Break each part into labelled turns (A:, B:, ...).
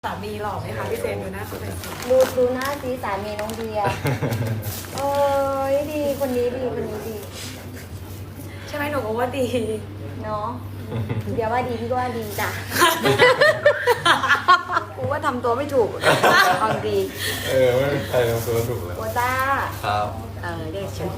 A: สามีหล่อไหมคะพี่เจนดูหน้าเขาเป็นสิ
B: ดูหน้าสีสามีน้องเบียร์เอ้ยดีคนนี้ดีคนนี้ดี
A: ใช่ไหมหนูก็ว่าดี
B: เนาะเบียร์ว่าดีพี่ก็ว่าดีจ้ะกูว่าทำตัวไม่ถูกเอาดี
C: ไม่มีใครทำตัวถูกเลย
B: โอจ้า
C: ครับ
B: เด็กชุด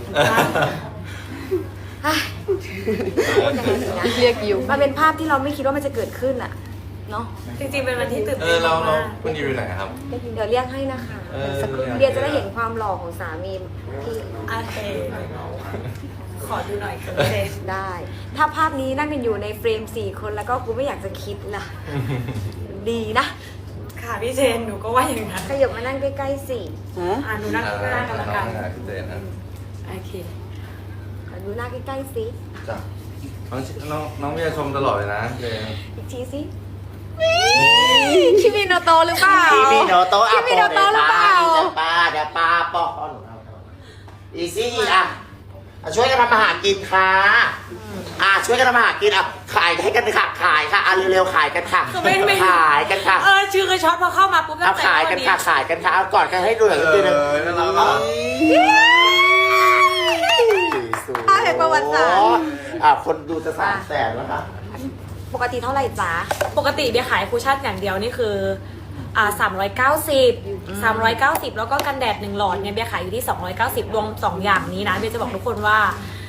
B: พูดยังไงดีนะ
D: เรียกยู
B: มันเป็นภาพที่เราไม่คิดว่ามันจะเกิดขึ้นอะเนาะ
A: จริงๆเป็นวันที่ตื่น
C: เรา
A: เต้นมาก
C: คุณอยู่ไหนครับ
B: เดี๋ยวเรียกให้นะคะสักครู่เบียร์จะได้เห็นความหล่อของสามีพี่
A: โอเคขอดูหน่อยค่ะพี่เจน
B: ได้ ถ้าภาพนี้นั่งกันอยู่ในเฟรม4 คนแล้วก็กูไม่อยากจะคิดล่ะ ดีนะ
A: ค่ะพี่เจนหนูก็ว่าอย่างนั้น
B: ขยับมานั่งใกล้ๆสิ
A: หนูนั่งข้างหน้ากันละกัน
C: พี่เจนนะ
A: โอเค
B: ขอดูหน้าใกล้ๆสิ
C: จ้ะน้องพี่จะชมตลอดเลยนะเจน
B: อีกทีสิคิมิโนโตะหรือเปล่า
E: คิมิโนโตะ
B: คิมิโนโตะหรือเปล่า
E: เดี๋ยวป้าปอกอีซี่อ่ะช่วยกันทำอาหารกินค่ะช่วยกันทำอาหารกินขายให้กันค่ะขายค่ะเร็วๆขายกันค่ะ
A: คือไม่
E: ขายกันค่ะ
A: ชื่อกระช็อตพอเข้ามาปุ๊บตั้งแต่
E: ขายกันค่ะขายกันค่ะเอาก่อนกันให้ดูหน่อยนิดนึง
C: น่ารักอ่ะ
B: เห็นประวัติศาสตร์
E: คนดูจะ300,000แล้วค่ะ
B: ปกติเท่าไหร่จ๊ะ
A: ปกติเบียร์ขายคูชั่นอย่างเดียวนี่คือ390 แล้วก็กันแดด1หลอดเนี่ยเบียร์ขายอยู่ที่290รวม2อย่างนี้นะเบียร์จะบอกทุกคนว่า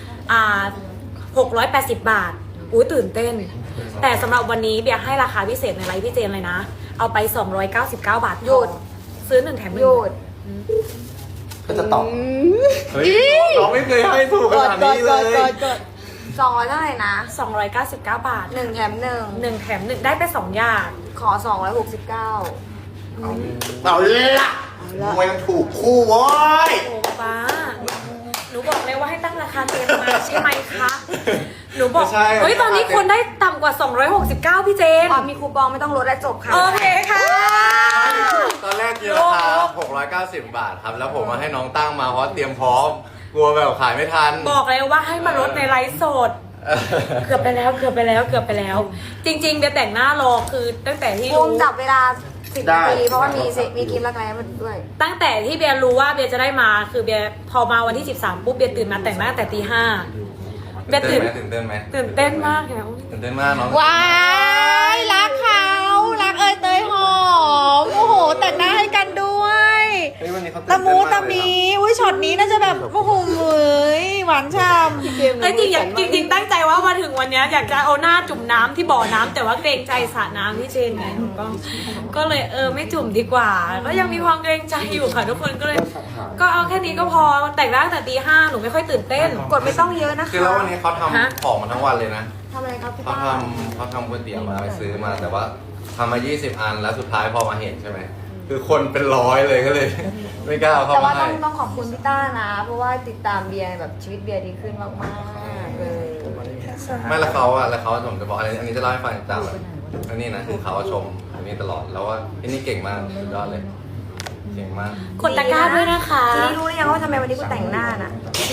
A: 680 บาทอุ้ยตื่นเต้น แต่สำหรับวันนี้เบียร์ให้ราคาพิเศษในไลฟ์พี่เจนเลยนะ เอาไป299 บาท
B: หยุด
A: ซื้อ1แถม1
B: หยุด
E: ก็จะตอบ
C: เฮ้ยเราไม่เคยให้ถูกขนาดนี้เลย
B: 200เท่าไหร่นะ
A: 299 บาท
B: 1 แถม
A: 1แถม1ได้ไป2อย่าง
B: 1 ขอ 269
E: เอาละมวยมันถูกคู่โว้ย
A: โอ้ป้าหนูบอกเลยว่าให้ตั้งราคาเต็มมาใช่ไหมคะหนูบอก
C: ไม่ใช่
A: เฮ้ยตอนนี้คนได้ต่ำกว่า269พี่เจน
B: มีคูปองไม่ต้องลดและจบค่ะ
A: โอเคค่ะ
C: ตอนแรกกินราคา690 บาทครับ แล้วผมมาให้น้องตั้งมาเพราะเตรียมพร้อม กลัวแบบขายไม่ทัน
A: บอกเลยว่าให้มาลดในไลฟ์สด เกือบไปแล้ว จริงๆเบียร์แต่งหน้ารอคือตั้งแต่ที่
B: ภู
A: รู้
B: มิจับเวลา 10 นาที เพราะว่ามีคลิปรักแร้มาด้วย
A: ตั้งแต่ที่เบียร์รู้ว่าเบียร์จะได้มาคือเบียร์พอมาวันที่13ปุ๊บเบียร์ตื่นมาแต่งหน้าตั้งแต่ตี 5เบียร์ตื่น
C: ตื่นเต้นไหม
A: ตื่นเต้นมากเลยนะ
C: ตื่นเต้นมากน้อง
D: ว้ายรักเขารักเอยเตยหอมโอ้โหแต่งหน้าให้กันด้วย
C: เฮ้ยวันนี้เขาตื่น
D: ตะ
C: เต้น
D: มู
C: มาก
D: ตะ
C: เลย
D: มี
C: นะ
D: อุ้ยช็อตนี้น่าจะแบบโอ้โหเหมยหวานฉ่ำ
A: เอ้ยจริงตั้งใจว่ามาถึงวันเนี้ยอยากจะเอาหน้าจุ่มน้ำที่บ่อน้ำแต่ว่าเกรงใจสระน้ำพี่เจนไงหนูก็เลยไม่จุ่มดีกว่า ก็ยังมีความเกรงใจอยู่ค่ะทุกคนก็เลย ก็เอาแค่นี้ก็พอแต่งหน้าตั้งแต่ตี 5หนูไม่ค่อยตื่นเต้น
B: กดไม่ต้องเยอะนะคะ
C: คือแล้ววันนี้เขา
A: ฮะ
C: ทำของมาทั้งวันเลยนะ
B: ทำอะไรครับพี่
C: เขา
B: ป้า
C: ทำก๋วยเตี๋ยวมาไปซื้อมา แต่ว่าทำมา 20 อันแล้วสุดท้ายพอมาเห็นใช่ไหม คือคนเป็นร้อยเลยก็เลย ไม่กล้าเอาเข้า
B: แต่
C: มา
B: ว่า
C: ให้
B: ต้องขอบคุณพี่ต้านะ เพราะว่าติดตามเบียร์แบบชีวิตเบียร์ดีขึ้นมากๆเลย
C: ไม่แล้วเขาผมจะบอกอันนี้จะเล่าให้ฟังจากแบบอันนี้นะคือเขาชมอันนี้ตลอดแล้วว่าอันนี้เก่งมากสุดยอดเลยเก่งมาก
A: กดตะกร้าด้วยนะคะ
B: ทีนี้รู้หรือยังว่าทำไมวันนี้กูแต่งหน้าน่ะ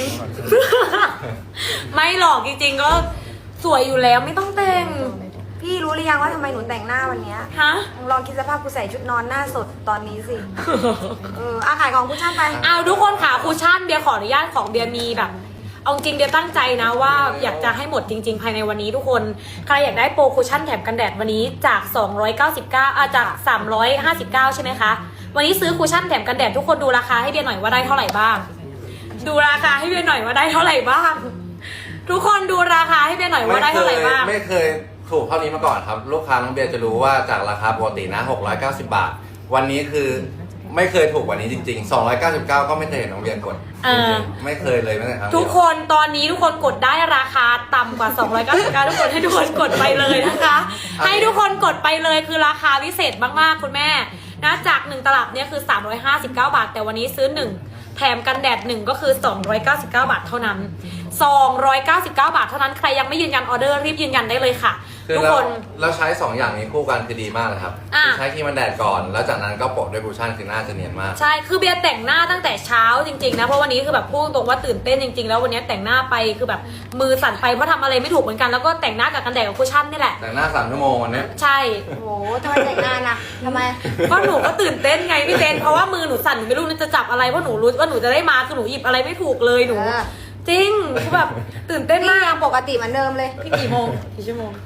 A: ไม่หรอกจริงๆก็สวยอยู่แล้วไม่ต้องแต่ง
B: พี่รู้หรือยังว่าทำไมหนูแต่งหน้าวันเนี้ย
A: ฮะ
B: ลองคิดสภาพกูใส่ชุดนอนหน้าสดตอนนี้สิ ขายของกูชั่นไป
A: เอาทุกคนค่ะคูชั่นเบียร์ขออนุญาตของเบียร์มีแบบเอาจริงเบียร์ตั้งใจนะว่าอยากจะให้หมดจริง ๆ ภายในวันนี้ทุกคนใครอยากได้โปรคูชั่นแถมกันแดดวันนี้จาก299จาก359ใช่ไหมคะวันนี้ซื้อคูชั่นแถมกันแดดทุกคนดูราคาให้เบียร์หน่อยว่าได้เท่าไหร่บ้าง ดูราคาให้เบียร์หน่อยว่าได้เท่าไหร่บ้าง ทุกคนดูราคาให้เบียร์หน่อยว่าได้เท่าไหร่บ้าง
C: ไม่เคยถูกเท่านี้มาก่อนครับ ลูกค้าน้องเบียร์จะรู้ว่าจากราคาปกตินะ690 บาท วันนี้คือไม่เคยถูกกว่านี้จริงๆ299ก็ไม่เคยเห็นน้องเบียร์กดจริงๆไม่เคยเลยแม้แต่ครั้งเดียว
A: ทุกคนตอนนี้ทุกคนกดได้ราคาต่ำกว่า299ทุกคนให้ทุกคนกดไปเลยนะคะ ให้ทุกคนกดไปเลยคือราคาพิเศษมากๆคุณแม่นะจาก1ตลับเนี่ยคือ359 บาท แต่วันนี้ซื้อ1แถมกันแดด1ก็คือ299 บาทเท่านั้น 299 บาทเท่านั้นใครยังไม่ยืนยันออเดอร์รีบยืนยันได้เลยค่ะ
C: คือ
A: ทุก
C: เรา
A: คน
C: เราใช้ 2 อย่างนี้คู่กันคือดีมากเลยครับ
A: อ่ะ
C: คือใช้ครีมกันแดดก่อน แล้วจากนั้นก็โปะด้วยคูชั่นคือหน้าจะเนียนมาก
A: ใช่คือเบียร์แต่งหน้าตั้งแต่เช้าจริงๆนะเพราะวันนี้คือแบบพูดตรงว่าตื่นเต้นจริงๆแล้ววันนี้แต่งหน้าไปคือแบบมือสั่นไปเพราะทำอะไรไม่ถูกเหมือนกันแล้วก็แต่งหน้ากับกันแดดกับคุชชั่นนี่แหละ
C: แต่งหน้า3 ชั่วโมงวันนี้
A: ใช่
B: โอ้โหทำไมแต่งงานอ่ะทำไม
A: ก็หนูก็ตื่นเต้นไงพี่เต้นเพราะว่ามือหนูสั่นหนูไม่รู้จะจับอะไรเพราะหนูรู้ว่าหนูจะได้มาคือหนูหยิบอะไรไม่ถูกเลยหนู
B: เออ
A: จริงคือแบบตื่นเต้น
B: นี่
A: มาก
B: ยังปกติเหมือนเดิมเลย
A: พี่กี่โมงกี่ชั่วโมง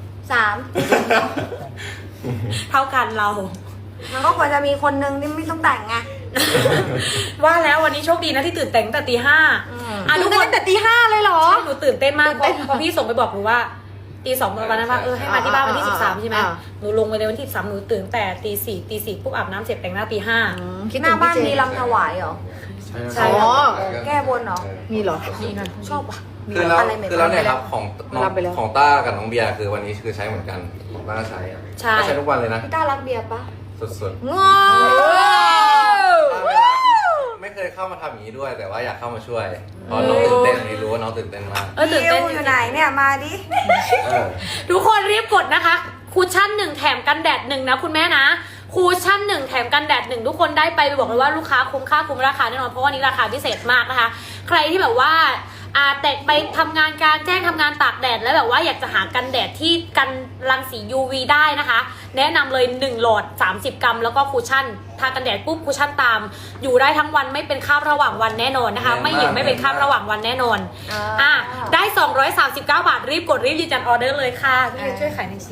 B: 3
A: เท่ากันเรา
B: มันก็ควรจะมีคนนึงที่ไม่ต้องแต่งไง
A: ว่าแล้ววันนี้โชคดีนะที่ตื่นแต่งตั้งแต่ตี 5อ่ะทุกคน
D: แต่ตี 5เลยเหรอ
A: ใช่หนูตื่นเต้นมากพอพี่ส่งไปบอกหนูว่าตี 2วันนั้นว่าให้มาที่บ้านวันที่ 13ใช่ไหม
D: อ่า
A: หนูลงไปเลยวันที่13หนูตื่นแต่ตี 4ปุ๊บอาบน้ำเสร็จแต่งหน้าตี 5
B: หน้าบ้านมีลำถวายเหรอ
A: ใช่
D: อ๋อ
B: แก้บนเหรอ
D: มีเหรอ
A: นี่นะ
B: ชอบว่ะ
C: คือแล้ว
B: อะไรใหม่ๆ
C: คือแล้วเนี่ยครับของน้อง
D: รับไปแล้ว
C: ของต้ากับน้องเบียร์คือวันนี้คือใช้เหมือนกันของต้าใช้
A: ใช่
C: ก็ใช้ทุกวันเลยนะ
B: พี่ต้ารักเบียร์ปะ
C: สุด
B: งอ
C: ๆต้าไม่เคยเข้ามาทำอย่างนี้ด้วย แต่ว่าอยากเข้ามาช่วยเพราะน้องตื่นเต้นวันนี้รู้ว่าน้องตื่นเต้นมาก
A: ตื่นเต้น
B: อยู่ไหนเนี่ยมาดิ
C: เออ
A: ทุกคนรีบกดนะคะคูชั่น1แถมกันแดด1นะคุณแม่นะคูชั่น1แถมกันแดด1ทุกคนได้ไปบอกเลยว่าลูกค้าคุ้มค่าคุ้มราคาแน่นอนเพราะว่านี้ราคาพิเศษมากนะคะ ใครที่แบบว่าแต่ไปทำงานกลารแจ้งทำงานตากแดดแล้วแบบว่าอยากจะหากันแดดที่กันรังสี UV ได้นะคะ แนะนำเลย1หลอด30 กรัมแล้วก็คูชั่นทากันแดดปุ๊บคูชั่นตาม อยู่ได้ทั้งวันไม่เป็นคราบระหว่างวันแน่นอนนะคะ ไม่หยิบไม่เป็นคราบระหว่างวันแน่นอนได้239 บาทรีบกดรีบยืนยันออเดอร์เลยค่ะพี่ช่วยขายหน่อยสิ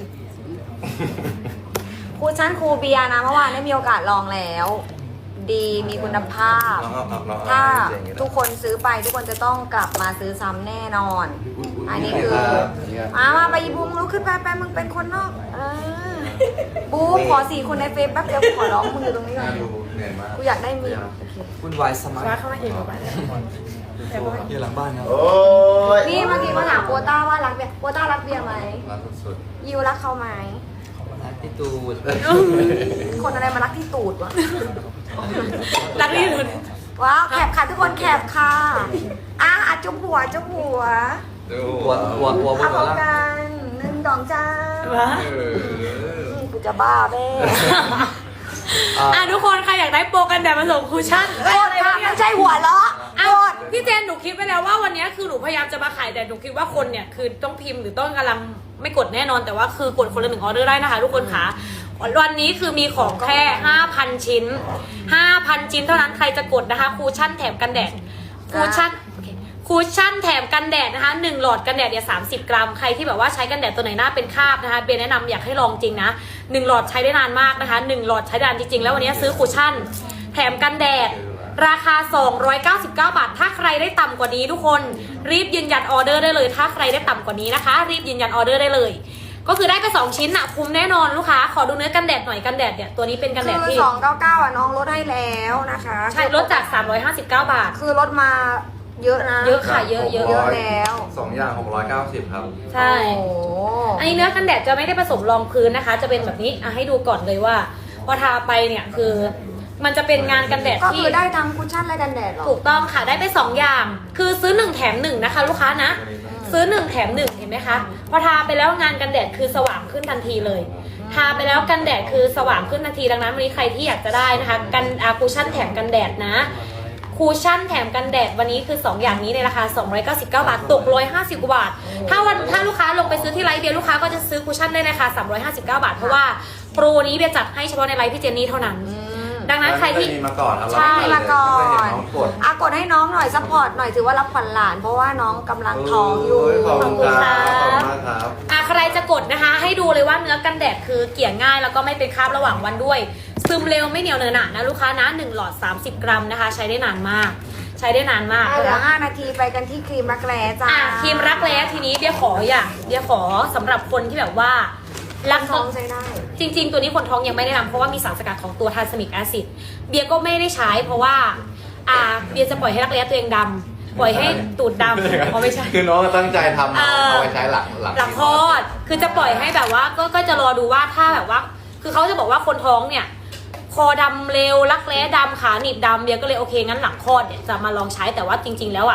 B: ครูชั้นครูเบียร์นะเมื่อวานได้มีโอกาสลองแล้ว ดีมีคุณภาพ
C: น้อง
B: ถ้า
C: เจ๋งอยู่
B: ทุกคนซื้อไปทุกคนจะต้องกลับมาซื้อซ้ำแน่นอน อันนี้คือมาไปบูมลุกขึ้นไปมึงเป็นคนนอกบูมขอ4 คนในเฟซแป๊บเดียวขอร้องมึงอยู่ตรงนี้ก่อน
C: ดูเหนื่อยมาก
B: กูอยากได้มีโอเค
F: วุ่นวายสมัคร
A: ว่าเข้ามาเองหรือเปล่า
F: อยู่หลังบ้านครับ
E: โอ้ย
B: นี่เมื่อกี้มาถามโปต้าว่ารักเบียร์โปต้ารักเบียร์ไหม
C: รักสุด
B: ยิวรักเขาไหม
F: พี่ตูด
B: คนอะไรมารักที่ตูดวะ
A: รักที่สุด
B: ว้าวแคบค่ะทุกคนแคบค่ะจุ๊บหัวจุ๊บหัว
C: ๆดู
F: หัวบน
B: เอา
F: หัว
B: พร้อม
F: ล่าง
B: กัน1 2 จ้า
A: ว้า
B: กูจะบ้าแม่
A: ทุกคนใครอยากได้โปรกันแดดมาส่งคูชั่น
B: โกรธค่ะไม่ใช่หัวเราะ
A: อ่ะพี่เจนหนูคิดไปแล้วว่าวันนี้คือหนูพยายามจะมาขายแต่หนูคิดว่าคนเนี่ยคือต้องพิมพ์หรือต้องกำลังไม่กดแน่นอนแต่ว่าคือกดคนละ1ออเดอร์ได้นะคะทุกคนค่ะวันนี้คือมีของแค่ 5,000 ชิ้น 5,000 ชิ้นเท่านั้นใครจะกดนะคะคูชั่นแถมกันแดดคูชั่นคูชั่นแถมกันแดดนะคะ1หลอดกันแดดเนี่ย30 กรัมใครที่แบบว่าใช้กันแดดตัวไหนหน้าเป็นคราบนะคะเบนแนะนำอยากให้ลองจริงนะ1หลอดใช้ได้นานมากนะคะ1หลอดใช้ได้นานจริงๆแล้ววันนี้ซื้อคูชั่นแถมกันแดดราคา299 บาทถ้าใครได้ต่ำกว่านี้ทุกคนรีบยืนยันออเดอร์ได้เลยถ้าใครได้ต่ำกว่านี้นะคะรีบยืนยันออเดอร์ได้เลยก็คือได้ไป2ชิ้นอะคุ้มแน่นอนลูกค้าขอดูเนื้อกันแดดหน่อยกันแดดเนี่ยตัวนี้เป็นกันแดด
B: คือ
A: ที่
B: 299น้องลดให้แล้วนะคะ
A: ใช่ลดจาก359 บาท
B: คือลดมาเยอะนะ
A: เยอะค่ะเยอะ
B: เยอะแล้ว
C: 2 อย่าง690ครับ
A: ใช่
B: โอ้โห
A: อันนี้เนื้อกันแดดจะไม่ได้ผสมรองพื้นนะคะ จะเป็นแบบนี้ให้ดูก่อนเลยว่าพอทาไปเนี่ยคือ มันจะเป็นงานกันแดด
B: ก็
A: ที่
B: คือได้ทั้งคุชชั่นและกันแดดเหรอ
A: ถูกต้องค่ะได้ไป2อย่าง คือซื้อ1แถม1นะคะ ลูกค้านะ ซื้อ1แถม1เห็นไหมคะพอทาไปแล้วงานกันแดดคือสว่างขึ้นทันทีเลย ทาไปแล้วกันแดดคือสว่างขึ้นทันทีดังนั้นวันนี้ใครที่อยากจะได้นะคะกันคูชั่นแถมกันแดดนะคูชั่นแถมกันแดดวันนี้คือ2อย่างนี้ในราคา299 บาทตก150 กว่าบาทถ้าลูกค้าลงไปซื้อที่ไลฟ์เบียร์ลูกค้าก็จะซื้อคูชั่นได้ในราคา359 บาทเพราะว่าโปรนี้เบียร์จัดให้เฉพาะในไลฟ์พี่เจนนี่เท่านั้น ดังนั้นใครที่
C: มีมาก่อนครับ
A: ใช่
B: มาก่อ
C: ไม่เห็น
B: น
C: น้องกด
B: กดให้น้องหน่อยซัพพอร์ตหน่อยถือว่ารับขวัญหลาน เพราะว่าน้องกำลังท้องอยู่
C: ขอบคุณครับขอบคุณมากครับ
A: ใครจะกดนะคะ ให้ดูเลยว่าเนื้อกันแดดคือเกลี่ยง่ายแล้วก็ไม่เป็นคราบระหว่างวันด้วย ซึมเร็วไม่เหนียวเนอะหนะนะลูกค้านะ1หลอด30 กรัมนะคะ ใช้ได้นานมาก ใช้ได้นานมาก
B: เหลือ5 นาทีไปกันที่ครีมรักแร้จ้า
A: ครีมรักแร้ทีนี้เบียร์ขอสำหรับคนที่แบบว่ารัก
B: ท้องใช้ได้
A: จริงๆ ตัวนี้คนท้องยังไม่ได้นำเพราะว่ามีสารสกัดของตัวทานสมิกแอซิดเบียร์ก็ไม่ได้ใช้เพราะว่าเบียร์จะปล่อยให้รักแร้ตัวเองดำปล่อยให้ตูดดำเพราะไม่ใช่
C: คือน้องตั้งใจทำเอาไปใช้หลัง
A: หลังคลอดคือจะปล่อยให้แบบว่าก็จะรอดูว่าถ้าแบบว่า คือเขาจะบอกว่าคนท้องเนี่ยคอดำเร็วรักแร้ดำขาหนีบดำเบียร์ก็เลยโอเคงั้นหลังคลอดเนี่ยจะมาลองใช้แต่ว่าจริง ๆ แล้วเ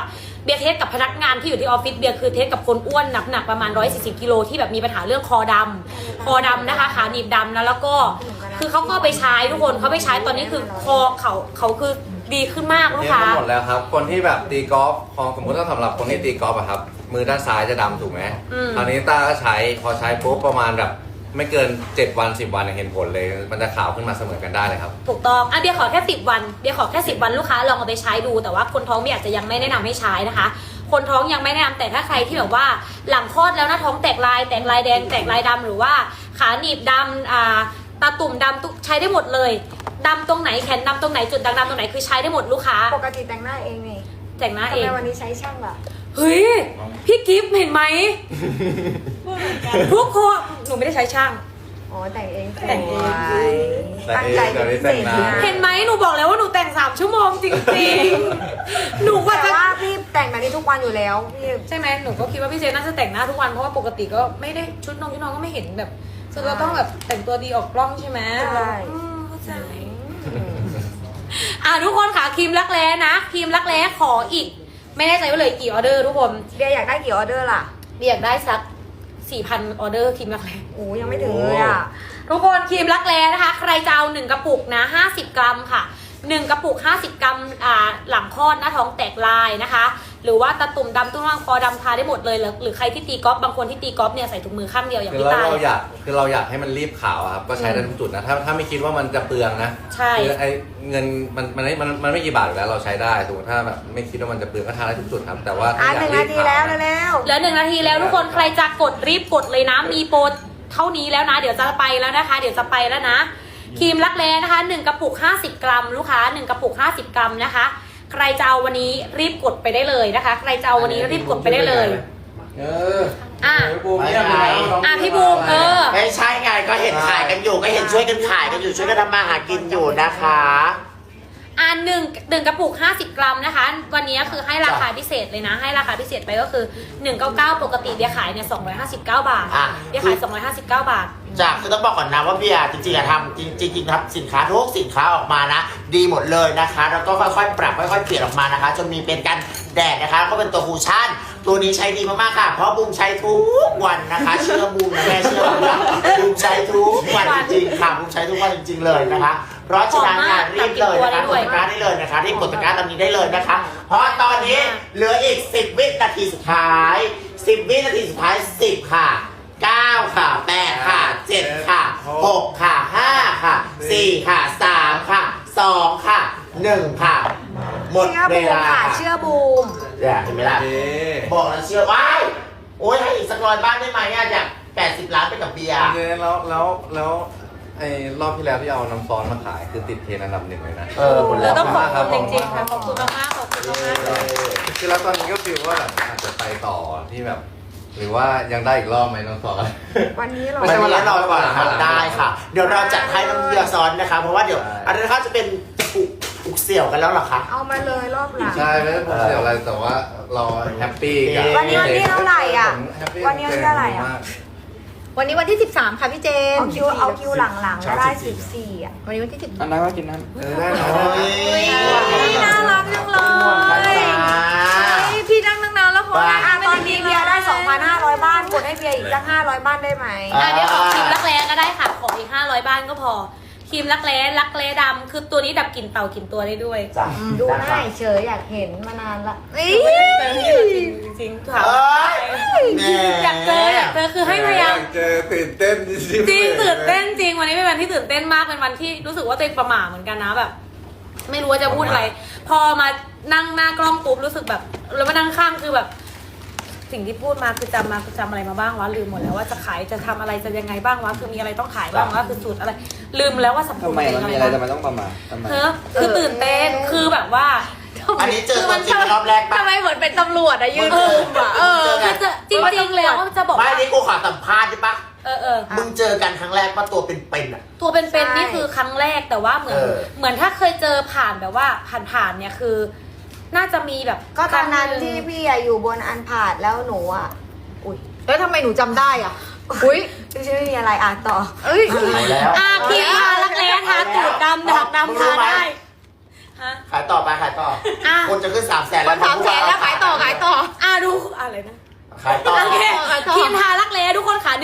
A: บียร์เทสกับพนักงานที่อยู่ที่ออฟฟิศเบียร์คือเทสกับคนอ้วนหนักประมาณ140 กิโลที่แบบมีปัญหาเรื่องคอดำนะคะขาหนีบดำนะแล้วก็คือเขาก็ไปใช้ทุกคนเขาไปใช้ตอนนี้คือคอเขาคือดีขึ้นมากลูก
C: เนี่ย
A: ค้า
C: หมดแล้วครับ คนที่แบบตีกอล์ฟพอสมมติถ้าสำหรับคนที่ตีกอล์ฟอะครับ มือด้านซ้ายจะดำถูกไหมคราวนี้ต้าก็ใช้พอใช้ปุ๊บประมาณแบบไม่เกิน7 วัน10 วันเห็นผลเลย มันจะขาวขึ้นมาเสมอกันได้เลยครับ
A: ถูกต้องเบียร์ขอแค่10 วันเบียร์ขอแค่10 วันลูกค้าลองเอาไปใช้ดูแต่ว่าคนท้องเบียร์อาจจะยังไม่แนะนำให้ใช้นะคะ คนท้องยังไม่แนะนำแต่ถ้าใครที่แบบว่าหลังคลอดแล้วหน้าท้องแตกลายแดงแตกลายดำหรือว่าขาหนีบดำตาตุ่มดำใช้ได้หมดเลยดำตรงไหนแขนดำตรงไหนจุดด่างดำตรงไหนคือใช้ได้หมดลูกค้า
B: ปกติแต่งหน้าเองนี่
A: แต่งหน้า
B: ทำ
A: เอง
B: ไมวันนี้ใช้ช่างล่ะ
A: เฮ้ยพี่กิฟต์เห็นไหมทุกคนหนูไม่ได้ใช้ช่าง
B: อ๋อแต่งเอง
A: แต่งเอง
B: ตั้งใจเป็นพิเศษนะ
A: เห็นไหมหนูบอกแล้วว่าหนูแต่ง3 ชั่วโมงจริงๆหนูว่า
B: แต่
A: จะ
B: ว่าพี่แต่งแบบนี้ทุกวันอยู่แล้วพี่
A: ใช่ไหมหนูก็คิดว่าพี่เจน่าจะแต่งหน้าทุกวันเพราะว่าปกติก็ไม่ได้ชุดน้องก็ไม่เห็นแบบคือเราต้องแบบแต่งตัวดีออกกล้องใช่ไหม
B: ใช่
A: เข้าใจทุกคนค่ะครีมรักแร้นะครีมรักแร้ขออีก ไม่แน่ใจว่าเลยกี่ออเดอร์ทุกคน
B: เบียร์อยากได้กี่ออเดอร์ล่ะ
A: เบียร์อยากได้สัก 4,000 ออเดอร์ครีมรักแร้
B: โอ้ยังไม่ถึงเลยอ่ะ
A: ทุกคนครีมรักแร้นะคะ ใครจะเอา1 กระปุกนะ50 กรัมค่ะ1 กระปุก50 กรัมหลังคลอดหน้าท้องแตกลายนะคะ หรือว่าตาตุ่มดำตุ้งร่างคอดำทาได้หมดเลยหรือใครที่ตีกอล์ฟบางคนที่ตีกอล์ฟเนี่ยใส่ถุงมือข้างเดียวอย่าง
C: คือ
A: พี่ตาย
C: เราอยากให้มันรีบขาวอะครับก็ใช้ได้ทุกจุดนะถ้าไม่คิดว่ามันจะเปลืองนะ
A: ใช่
C: คือไอ้เงินมันไม่กี่บาทอยู่แล้วเราใช้ได้สมมติถ้าแบบไม่คิดว่ามันจะเปลืองก็ทาได้ทุกจุดครับแต่ว่าถ้าอยาก
B: 1
C: รี
B: นา
C: บ
B: ที
C: ขาว
B: แล้ว
C: นะ
B: เร็ว
A: เหลือ1 นาทีแล้วทุกคนใครจะกดรีบกดเลยนะมีโปรเท่านี้แล้วนะเดี๋ยวจะไปแล้วนะคะเดี๋ยวจะไปแล้วนะครีมรักแร้นะคะ1 กระปุก50 กรัมลูกค้า1 กระปุก50 กรัมนะคะใครจะเอาวันนี้รีบกดไปได้เลยนะคะใครจะเอาวันนี้รีบกดไปได้เลย พี่บูม
E: ไม่ใช่ไงก็เห็นขายกันอยู่ก็เห็นช่วยกันขายกันอยู่ช่วยกันทำมาหากินอยู่นะคะ
A: หนึ่งกระปุก50 กรัมนะคะวันนี้คือให้ราคาพิเศษเลยนะให้ราคาพิเศษไปก็คือ199ปกติเดียขายเนี่ย259 บาทเดียขาย259 บาท
E: จากคือต้องบอกก่อนนะว่าพี่จริงๆทำจริงๆครับสินค้าทุกสินค้าออกมานะดีหมดเลยนะคะแล้วก็ค่อยๆปรับค่อยๆเปลี่ยนออกมานะคะจนมีเป็นกันแดดนะคะก็เป็นตัวคูชั่นตัวนี้ใช้ดีมากๆค่ะเพราะบูมใช้ทุกวันนะคะเชื่อบูมนะแม่เชื่อบูมนะบูมใช้ทุกวันจริงๆค่ะบูมใช้ทุกวันจริงๆเลยนะคะเพราะฉะนั้นรีบเลยนะคะกดตะกร้าได้เลยนะคะรีบกดตะกร้าตอนนี้ได้เลยนะคะเพราะตอนนี้เหลืออีก10 วินาทีสุดท้าย10 วินาทีสุดท้าย10 ค่ะ9 ค่ะ 8 ค่ะ 7 ค่ะ 6 ค่ะ 5 ค่ะ 4 ค่ะ 3 ค่ะ 2 ค่ะ 1 ค่ะ หมด
B: เชื่อ
E: เว
B: บูม
E: ลา
B: ค่ะ
E: ค่ะ
B: เชื่อบูม
E: เห็นไหมล่ะบอกแล้วเชื่อว้ายโอ้ยให้อีกสัก100 บ้านได้ไหมอยาก80 ล้านไปกับเบียร์
C: แล้วไอ้รอบที่แล้วที่เอาน้ำซอสมาขายคือติดเทรนด์อันดับ1เลยนะ
E: หมด
A: เรา
E: แล้ว
A: ต้องขอบ
C: ครับ
A: คุณจริงๆค่ะขอบคุณมากๆขอบคุณมากๆเลย
C: คือแล้วตอนนี้ก็ฟีลว่าแบบอาจจะไปต่อที่แบบ หรือว่ายังได้อีกรอบไหมน้องซอส
B: วันนี้เรา
E: ไม่ใช่วันละ100 บาทครับได้ค่ะ เดี๋ยวเราจัดให้น้ำเบียร์ซ้อนนะคะ เพราะว่าเดี๋ยวอันนี้นะคะจะเป็นอุกเสี่ยวกันแล้วเหรอคะ
B: เอามาเลยรอบหลัง
C: ใช่ไม่ได้ผมเสียอะไรแต่ว่าเราแฮปปี้กับ
B: วันนี้วันที่เท่าไหร่อ่ะ
C: ผมแฮปปี้
B: วันนี้วันที่เท่าไหร่อ่ะ
C: มาก
D: วันนี้วันที่13ค่ะพี่เจน
B: เอาคิวหลังๆก็ได้14อ่ะ
D: วันนี้วันที่10
F: อันนั้นก็กินนั้น
C: ได้เหรอ
D: น่ารักจังเลยพี่นั่งตั้งนานแล้วพอ
B: ตอนนี้เบียร์ได้ 2,500 บ้านกดให้เบียร์อีกสัก500 บ้านได้ไหม
A: เดี๋ยวขอครีมรักแร้ก็ได้ค่ะขออีก500 บ้านก็พอครีมรักแร้ดำคือตัวนี้ดับกลิ่นเต่ากลิ่นตัวได้ด้วย
E: จ้ะ
B: ดูหน้าเฉยอยากเห็นมานานละ
A: จริงๆค่ะ
E: แหม่
A: อยากเจอคือให้พยายาม
C: เจอตื่นเต้นจริง
A: จริงตื่นเต้นจริงวันนี้เป็นวันที่ตื่นเต้นมากเป็นวันที่รู้สึกว่าตัวเองประหม่าเหมือนกันนะแบบ ไม่รู้ว่าจะพูดอะไร พอมานั่งหน้ากล้องปุ๊บรู้สึกแบบแล้วมานั่งข้างคือแบบ สิ่งที่พูดมาคือจำอะไรมาบ้างวะลืมหมดแล้วว่าจะขายจะทำอะไรจะยังไงบ้างวะคือมีอะไรต้องขายบ้างวะคือสูตรอะไร ลืมแล้วว่าสัม
F: ทำไมมันมีอะไรแต่มันต้องประมาททำไม
A: คือตื่นเต้นคือแบบว่า
E: อันนี้เจอตัวจริงรอบแรกปะ
D: ทำไมเหมือนเป็นตำรวจอะยืน
A: คือจริงๆแล้วจะบอก
E: ไม่
A: ว่า
E: นี่กูขอสัมภาษณ์ได้ปะ
A: มึ
E: มึงเจอกันครั้งแรกปะตัวเป็นๆอ่ะ
A: ตัวเป็นๆนี่คือครั้งแรกแต่ว่าเหมือนถ้าเคยเจอผ่านแบบว่าผ่านเนี่ยคือ น่าจะมีแบบ
B: ก็ตอนนั้นที่พี่อยู่บนอันผาดแล้วหนูอ่ะอุ้ย
D: แล้วทำไมหนูจำได้อ่ะอุ้ย
B: ไม่มีอะไรอ่ะต่อ
D: เอ้ย
E: เอาแล้ว
A: ครีมทารักแร้ทาตูดดำดักดำทาได้ฮะ
E: ขายต่อไปขายต่อ
A: อ่ะ
E: คนจะขึ้น300,000
D: ค
E: แล้ว
D: น300,000แล้วขายต่อ
A: ดูอะไรนะ
E: ขายต่อ
A: โอเค
D: ขายต่อ
A: ทีมทารักแร้ทุกคนค่ะ